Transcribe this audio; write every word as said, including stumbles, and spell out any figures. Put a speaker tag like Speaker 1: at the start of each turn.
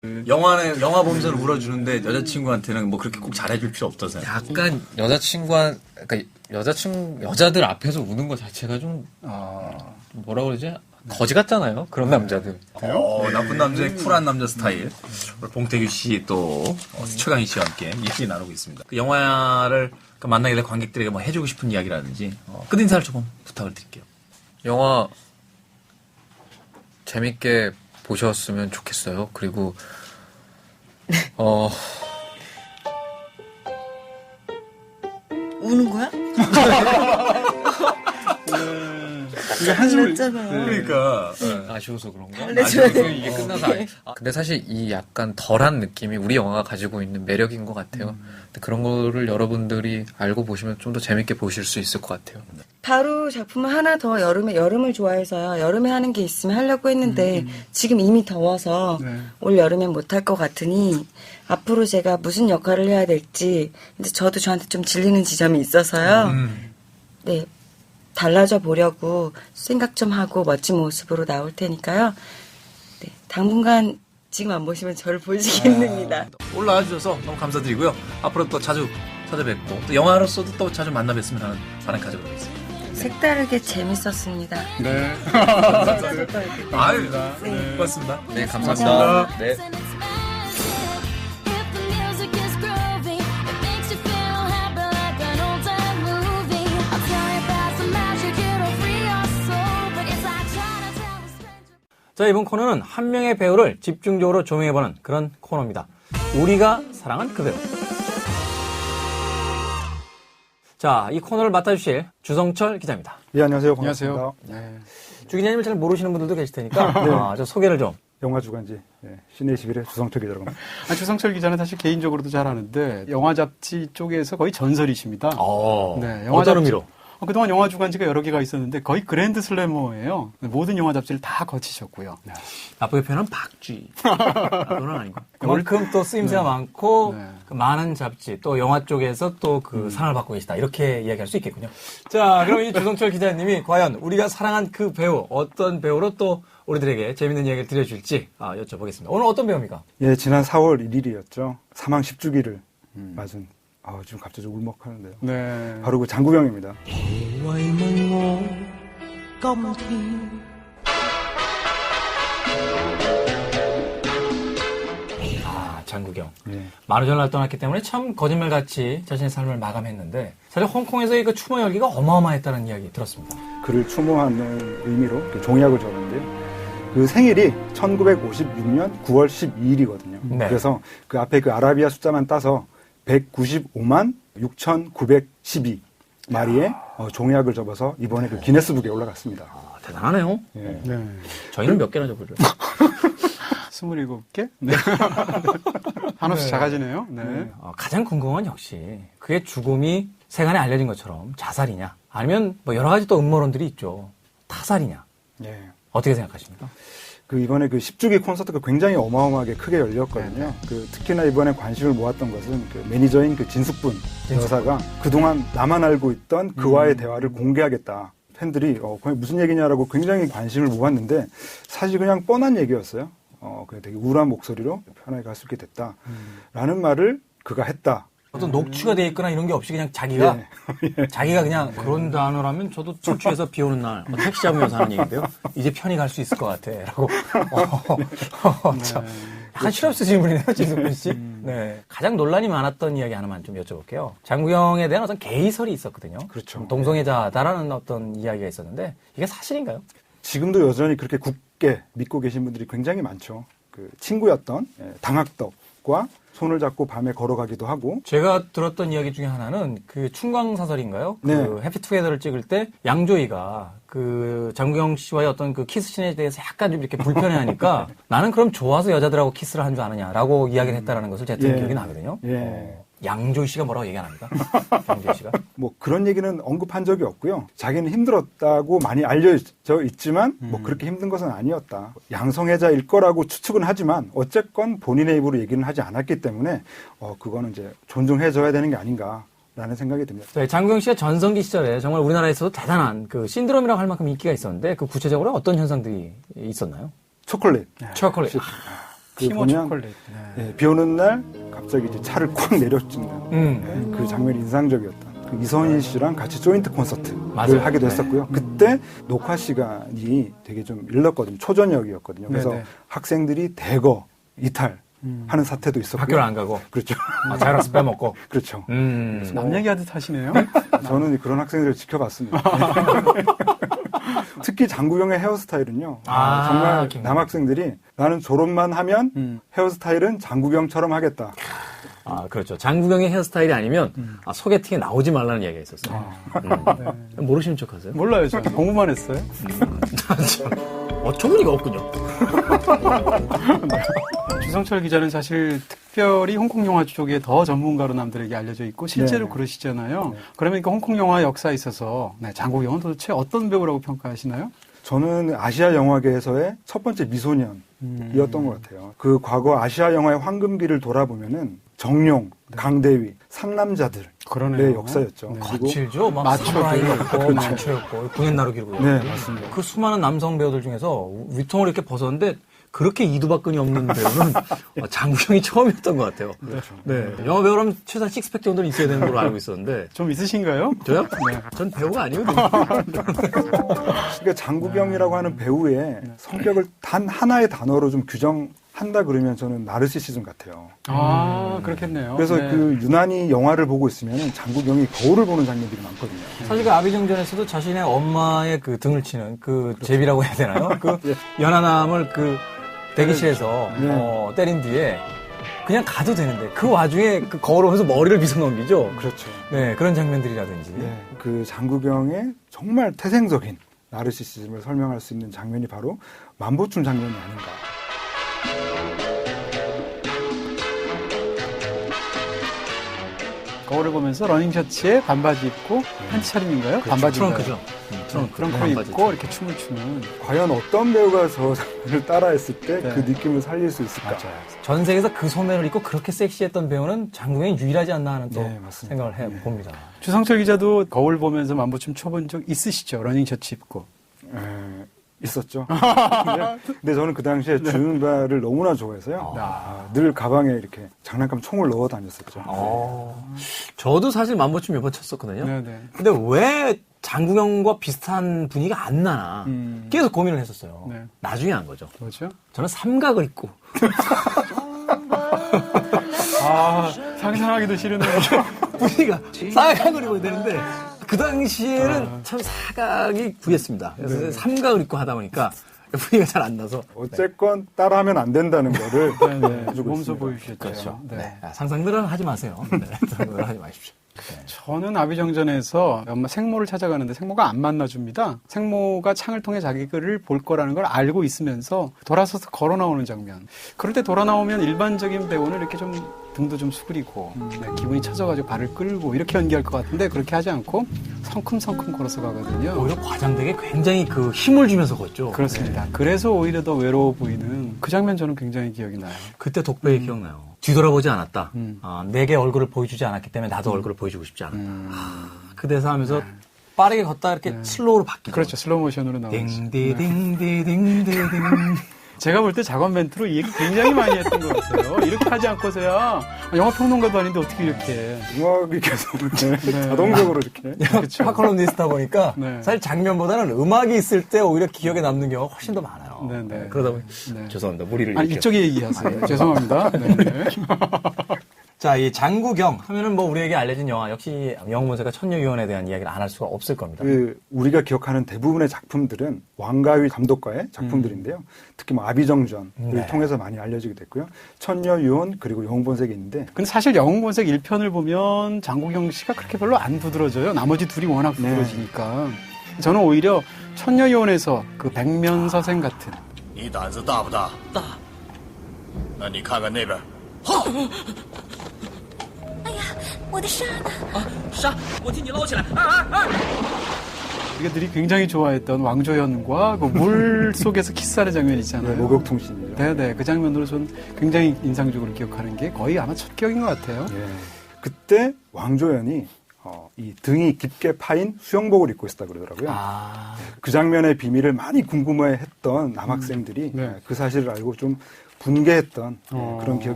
Speaker 1: 영화는 영화 보면서 울어주는데 여자친구한테는 뭐 그렇게 꼭 잘해줄 필요 없다서요.
Speaker 2: 약간 여자친구한 그러니까 여자친구 여자들 앞에서 우는 것 자체가 좀 아... 뭐라 그러지? 거지 같잖아요. 그런 남자들.
Speaker 1: 어, 나쁜 남자의 쿨한 남자 스타일. 오늘 봉태규 씨 또 어, 최강희 씨와 함께 얘기 나누고 있습니다. 그 영화를 그 만나게 될 관객들에게 뭐 해주고 싶은 이야기라든지 어, 끝인사를 조금 부탁을 드릴게요.
Speaker 2: 영화 재밌게 보셨으면 좋겠어요. 그리고 어
Speaker 3: 우는 거야?
Speaker 1: 이게 한숨을
Speaker 3: 잖아요
Speaker 1: 그러니까
Speaker 2: 네. 아쉬워서 그런가?
Speaker 3: 아쉬워서
Speaker 2: 이게 끝나서 안... 아, 근데 사실 이 약간 덜한 느낌이 우리 영화가 가지고 있는 매력인 것 같아요. 음. 근데 그런 거를 여러분들이 알고 보시면 좀 더 재밌게 보실 수 있을 것 같아요.
Speaker 3: 바로 작품을 하나 더 여름에 여름을 좋아해서요. 여름에 하는 게 있으면 하려고 했는데 음, 음. 지금 이미 더워서 네. 올 여름엔 못할 것 같으니 앞으로 제가 무슨 역할을 해야 될지 근데 저도 저한테 좀 질리는 지점이 있어서요. 음. 네. 달라져 보려고 생각 좀 하고 멋진 모습으로 나올 테니까요. 네, 당분간 지금 안 보시면 저를 보시겠습니다.
Speaker 1: 아, 올라와 주셔서 너무 감사드리고요. 앞으로 또 자주 찾아뵙고 또 영화로서도 또 자주 만나 뵀으면 하는 바람 가지고 있습니다.
Speaker 3: 색다르게 재밌었습니다.
Speaker 4: 네.
Speaker 1: 아유, 네. 고맙습니다.
Speaker 2: 네, 감사합니다.
Speaker 1: 고맙습니다. 네. 자, 이번 코너는 한 명의 배우를 집중적으로 조명해보는 그런 코너입니다. 우리가 사랑한 그 배우. 자, 이 코너를 맡아주실 주성철 기자입니다.
Speaker 5: 예, 안녕하세요. 반갑습니다.
Speaker 4: 안녕하세요. 네.
Speaker 1: 주 기자님을 잘 모르시는 분들도 계실 테니까 네. 아, 저 소개를 좀.
Speaker 5: 영화주간지 예, 시내 이십일의 주성철 기자라고 합니다.
Speaker 4: 아, 주성철 기자는 사실 개인적으로도 잘 아는데 영화 잡지 쪽에서 거의 전설이십니다.
Speaker 1: 어,
Speaker 4: 네, 영화
Speaker 1: 어떤
Speaker 4: 잡지,
Speaker 1: 의미로?
Speaker 4: 어, 그동안 영화 주간지가 여러 개가 있었는데 거의 그랜드 슬래머예요. 모든 영화 잡지를 다 거치셨고요. 네.
Speaker 1: 나쁘게 표현은 박쥐. 그건 아니고. 그만큼 또 쓰임새가 네. 많고 네. 그 많은 잡지 또 영화 쪽에서 또 그 음. 사랑을 받고 계시다. 이렇게 이야기할 수 있겠군요. 자, 그럼 이 주성철 기자님이 과연 우리가 사랑한 그 배우 어떤 배우로 또 우리들에게 재밌는 이야기를 들려줄지 아, 여쭤보겠습니다. 오늘 어떤 배우입니까?
Speaker 5: 예, 지난 사월 일일이었죠. 사망 십 주기를 음. 맞은. 아, 지금 갑자기 울먹하는데요. 네. 바로 그 장국영입니다.
Speaker 1: 아, 장국영. 네. 마루전을 떠났기 때문에 참 거짓말같이 자신의 삶을 마감했는데 사실 홍콩에서의 그 추모 열기가 어마어마했다는 이야기 들었습니다.
Speaker 5: 그를 추모하는 의미로 종이학을 적었는데요. 그 생일이 천구백오십육 년 구월 십이일이거든요. 네. 그래서 그 앞에 그 아라비아 숫자만 따서 백구십오만 육천구백십이 마리의 어, 종이학을 접어서 이번에 그 기네스북에 올라갔습니다.
Speaker 1: 아, 대단하네요.
Speaker 5: 예.
Speaker 1: 네. 저희는 몇 개나 접어줘요?
Speaker 4: 스물일곱 개? 네. 한없이 네. 작아지네요. 네. 네.
Speaker 1: 어, 가장 궁금한 건 역시 그의 죽음이 세간에 알려진 것처럼 자살이냐 아니면 뭐 여러 가지 또 음모론들이 있죠. 타살이냐. 예. 어떻게 생각하십니까?
Speaker 5: 그 이번에 그 십 주기 콘서트가 굉장히 어마어마하게 크게 열렸거든요. 네. 그 특히나 이번에 관심을 모았던 것은 그 매니저인 그 진숙분 여사가 그동안 나만 알고 있던 그와의 음. 대화를 공개하겠다. 팬들이 어, 무슨 얘기냐라고 굉장히 관심을 모았는데 사실 그냥 뻔한 얘기였어요. 어, 그냥 되게 우울한 목소리로 편하게 갈 수 있게 됐다. 음. 라는 말을 그가 했다.
Speaker 1: 어떤 녹취가 돼 있거나 이런 게 없이 그냥 자기가 예. 예. 자기가 그냥 네. 그런 단어라면 저도 술 취해서 비 오는 날 뭐 택시 잡으면서 하는 얘기인데요. 이제 편히 갈 수 있을 것 같아. 라고. 어, 어, 참. 약간 실업 쓰시는 분이네요, 진숙분 씨. 음. 네. 가장 논란이 많았던 이야기 하나만 좀 여쭤볼게요. 장국영에 대한 어떤 개의설이 있었거든요.
Speaker 5: 그렇죠.
Speaker 1: 동성애자다라는 어떤 이야기가 있었는데 이게 사실인가요?
Speaker 5: 지금도 여전히 그렇게 굳게 믿고 계신 분들이 굉장히 많죠. 그 친구였던 당학덕과 손을 잡고 밤에 걸어가기도 하고.
Speaker 1: 제가 들었던 이야기 중에 하나는 그 춘광사설인가요?
Speaker 5: 네.
Speaker 1: 그 해피투게더를 찍을 때 양조위가 그 장국영 씨와의 어떤 그 키스씬에 대해서 약간 좀 이렇게 불편해하니까 나는 그럼 좋아서 여자들하고 키스를 한 줄 아느냐라고 이야기를 했다라는 것을 제가 들은
Speaker 5: 예.
Speaker 1: 기억이 나거든요.
Speaker 5: 예.
Speaker 1: 어, 양조위 씨가 뭐라고 얘기 안 합니까? 양조위 씨가?
Speaker 5: 뭐 그런 얘기는 언급한 적이 없고요. 자기는 힘들었다고 많이 알려져 있지만 음. 뭐 그렇게 힘든 것은 아니었다. 양성애자일 거라고 추측은 하지만 어쨌건 본인의 입으로 얘기는 하지 않았기 때문에 어 그거는 이제 존중해줘야 되는 게 아닌가라는 생각이 듭니다.
Speaker 1: 네, 장국영 씨가 전성기 시절에 정말 우리나라에서도 대단한 그 신드롬이라고 할 만큼 인기가 있었는데 그 구체적으로 어떤 현상들이 있었나요?
Speaker 5: 초콜릿.
Speaker 1: 초콜릿.
Speaker 4: 티모
Speaker 5: 보면
Speaker 4: 초콜릿. 네.
Speaker 5: 예, 비 오는 날 갑자기 이제 차를 콱 내려준다.
Speaker 1: 음.
Speaker 5: 예, 그 장면이 인상적이었다. 그 이선희 씨랑 같이 조인트 콘서트를
Speaker 1: 맞아요.
Speaker 5: 하기도
Speaker 1: 네.
Speaker 5: 했었고요. 그때 녹화 시간이 되게 좀 일렀거든요. 초저녁이었거든요. 그래서
Speaker 4: 네네.
Speaker 5: 학생들이 대거 이탈하는
Speaker 4: 음.
Speaker 5: 사태도 있었고요.
Speaker 1: 학교를 안 가고
Speaker 5: 그렇죠.
Speaker 1: 아, 자율학습 빼먹고.
Speaker 5: 그렇죠.
Speaker 1: 음.
Speaker 4: 남 얘기하듯 하시네요.
Speaker 5: 저는 그런 학생들을 지켜봤습니다. 특히 장구경의 헤어스타일은요.
Speaker 1: 아,
Speaker 5: 정말
Speaker 1: 김-
Speaker 5: 남학생들이 나는 졸업만 하면
Speaker 4: 음.
Speaker 5: 헤어스타일은 장구경처럼 하겠다.
Speaker 1: 아, 그렇죠. 장구경의 헤어스타일이 아니면 아, 소개팅에 나오지 말라는 이야기가 있었어요. 음. 모르시는 척 하세요?
Speaker 4: 몰라요, 저 공부만 했어요.
Speaker 1: 어처구니가 없군요.
Speaker 4: 주성철 기자는 사실 특별히 홍콩 영화 쪽에 더 전문가로 남들에게 알려져 있고 실제로
Speaker 5: 네.
Speaker 4: 그러시잖아요. 그러면 그 홍콩 영화 역사에 있어서 네, 장국영은 도대체 어떤 배우라고 평가하시나요?
Speaker 5: 저는 아시아 영화계에서의 첫 번째 미소년이었던 것 같아요. 그 과거 아시아 영화의 황금기를 돌아보면은 정룡, 강대위, 상남자들의
Speaker 4: 그러네요.
Speaker 5: 역사였죠.
Speaker 4: 네.
Speaker 5: 그리고
Speaker 1: 거칠죠. 막
Speaker 4: 마초들.
Speaker 1: 사무라이였고, 마초였고, 군인 나루기고.
Speaker 5: 네, 맞습니다.
Speaker 1: 그 수많은 남성 배우들 중에서 위통을 이렇게 벗었는데 그렇게 이두박근이 없는 배우는 장국영이 처음이었던 것 같아요.
Speaker 5: 그렇죠.
Speaker 1: 네. 영화 배우라면 최소한 식스팩 정도는 있어야 되는 걸로 알고 있었는데.
Speaker 4: 좀 있으신가요?
Speaker 1: 저요?
Speaker 4: 네.
Speaker 1: 전 배우가 아니거든요.
Speaker 5: 그러니까 장구경이라고 하는 배우의 성격을 단 하나의 단어로 좀 규정한다 그러면 저는 나르시시즘 같아요.
Speaker 4: 아, 그렇겠네요.
Speaker 5: 그래서
Speaker 4: 네.
Speaker 5: 그 유난히 영화를 보고 있으면 장구경이 거울을 보는 장면들이 많거든요.
Speaker 1: 사실 그 아비정전에서도 자신의 엄마의 그 등을 치는 그 제비라고 해야 되나요? 그 연하남을 그 대기실에서
Speaker 5: 네.
Speaker 1: 어, 때린 뒤에 그냥 가도 되는데 그 와중에 그 거울 보면서 머리를 빗어 넘기죠.
Speaker 5: 그렇죠.
Speaker 1: 네, 그런 장면들이라든지.
Speaker 5: 네, 그 장구경의 정말 태생적인 나르시시즘을 설명할 수 있는 장면이 바로 만보춤 장면이 아닌가.
Speaker 4: 거울을 보면서 러닝 셔츠에 반바지 입고 팬티 차림인가요? 반바지인가요?
Speaker 1: 트렁크죠. 음, 트렁크.
Speaker 4: 트렁크를
Speaker 1: 반바지.
Speaker 4: 입고 이렇게 춤을 추는.
Speaker 5: 과연 어떤 배우가 저 장면을 따라했을 때 그
Speaker 4: 네.
Speaker 5: 느낌을 살릴 수 있을까?
Speaker 1: 전 세계에서 그 소매를 입고 그렇게 섹시했던 배우는 장국영이 유일하지 않나 하는 또
Speaker 5: 네, 맞습니다.
Speaker 1: 생각을 해
Speaker 5: 네.
Speaker 1: 봅니다.
Speaker 4: 주성철 기자도 거울 보면서 만보춤 춰본 적 있으시죠? 러닝 셔츠 입고.
Speaker 5: 에, 있었죠. 근데, 근데 저는 그 당시에 주윤발을 너무나 좋아해서요. 아, 늘 가방에 이렇게 장난감 총을 넣어 다녔었죠.
Speaker 1: 어, 저도 사실 만보춤 몇 번 쳤었거든요.
Speaker 4: 네네.
Speaker 1: 근데 왜 장국영과 비슷한 분위기가 안 나나
Speaker 4: 음.
Speaker 1: 계속 고민을 했었어요.
Speaker 4: 네.
Speaker 1: 나중에 한 거죠.
Speaker 4: 뭐죠?
Speaker 1: 저는 삼각을 입고
Speaker 4: 아, 상상하기도 싫으네요.
Speaker 1: 분위기가 사각을 입어야 되는데 그 당시에는 참 사각이 구했습니다. 그래서 삼각을 입고 하다 보니까 분위기가 잘 안 나서
Speaker 5: 어쨌건 따라하면 안 된다는 거를
Speaker 4: 네네.
Speaker 5: 해주고
Speaker 4: 몸소
Speaker 5: 있습니다.
Speaker 4: 보여주셨죠.
Speaker 1: 그렇죠.
Speaker 4: 네.
Speaker 1: 네. 아, 상상들은 하지 마세요. 네. 상상들은 하지 마십시오.
Speaker 4: 저는 아비정전에서 엄마 생모를 찾아가는데 생모가 안 만나줍니다. 생모가 창을 통해 자기를 볼 거라는 걸 알고 있으면서 돌아서서 걸어 나오는 장면. 그럴 때 돌아 나오면 일반적인 배우는 이렇게 좀 등도 좀 수그리고 네, 기분이 처져가지고 발을 끌고 이렇게 연기할 것 같은데 그렇게 하지 않고 성큼성큼 걸어서 가거든요.
Speaker 1: 오히려 과장되게 굉장히 그 힘을 주면서 걷죠.
Speaker 4: 그렇습니다. 그래서 오히려 더 외로워 보이는 그 장면 저는 굉장히 기억이 나요.
Speaker 1: 그때 독배에 기억나요. 뒤돌아보지 않았다.
Speaker 4: 음.
Speaker 1: 아, 내게 얼굴을 보여주지 않았기 때문에 나도 얼굴을 보여주고 싶지 않았다.
Speaker 4: 음.
Speaker 1: 아, 그 대사 하면서 빠르게 걷다 이렇게 슬로우로 바뀌죠.
Speaker 4: 그렇죠. 슬로우 모션으로 나오죠.
Speaker 1: 딩디딩디딩디딩.
Speaker 4: 제가 볼 때 작업 멘트로 이 얘기 굉장히 많이 했던 것 같아요. 이렇게 하지 않고서야 영화 평론가도 아닌데 어떻게 이렇게.
Speaker 5: 음악이 계속 네,
Speaker 4: 네.
Speaker 5: 자동적으로 이렇게.
Speaker 4: 그렇죠.
Speaker 1: 파컬럼니스트다 보니까
Speaker 4: 네.
Speaker 1: 사실 장면보다는 음악이 있을 때 오히려 기억에 남는 경우가 훨씬 더 많아요.
Speaker 4: 네, 네.
Speaker 1: 그러다 보니
Speaker 4: 네.
Speaker 1: 죄송합니다. 무리를
Speaker 4: 아니,
Speaker 1: 일으켜.
Speaker 4: 이쪽에 얘기하세요. 죄송합니다. 네, 네.
Speaker 1: 자, 이 장구경 하면은 뭐 우리에게 알려진 영화 역시 영문세가 천녀유언에 대한 이야기를 안 할 수가 없을 겁니다.
Speaker 5: 그 우리가 기억하는 대부분의 작품들은 왕가위 감독과의 작품들인데요. 특히 뭐 아비정전을
Speaker 1: 네.
Speaker 5: 통해서 많이 알려지게 됐고요. 천녀유언 그리고 영웅본색이 있는데
Speaker 4: 근데 사실 영웅본색 일 편을 보면 장국영 씨가 그렇게 별로 안 부드러져요. 나머지 둘이 워낙 부드러지니까. 저는 오히려 천녀유언에서 그 백면서생 같은
Speaker 6: 你胆子大不大？大。那你看看那边。
Speaker 7: 我的沙呢？
Speaker 6: 沙，我替你捞起来！啊啊啊！
Speaker 4: 이들이 굉장히 좋아했던 왕조연과 그 물 속에서 키스하는 장면 있잖아요.
Speaker 5: 목욕통신이죠.
Speaker 4: 네네. 그 장면으로 전 굉장히 인상적으로 기억하는 게 거의 아마 첫 기억인 것 같아요.
Speaker 5: 예. 그때 왕조연이 어, 이 등이 깊게 파인 수영복을 입고 있었다 그러더라고요.
Speaker 1: 아,
Speaker 5: 그 장면의 비밀을 많이 궁금해했던 남학생들이
Speaker 4: 네.
Speaker 5: 그 사실을 알고 좀 분개했던
Speaker 4: 어.
Speaker 5: 그런 기억이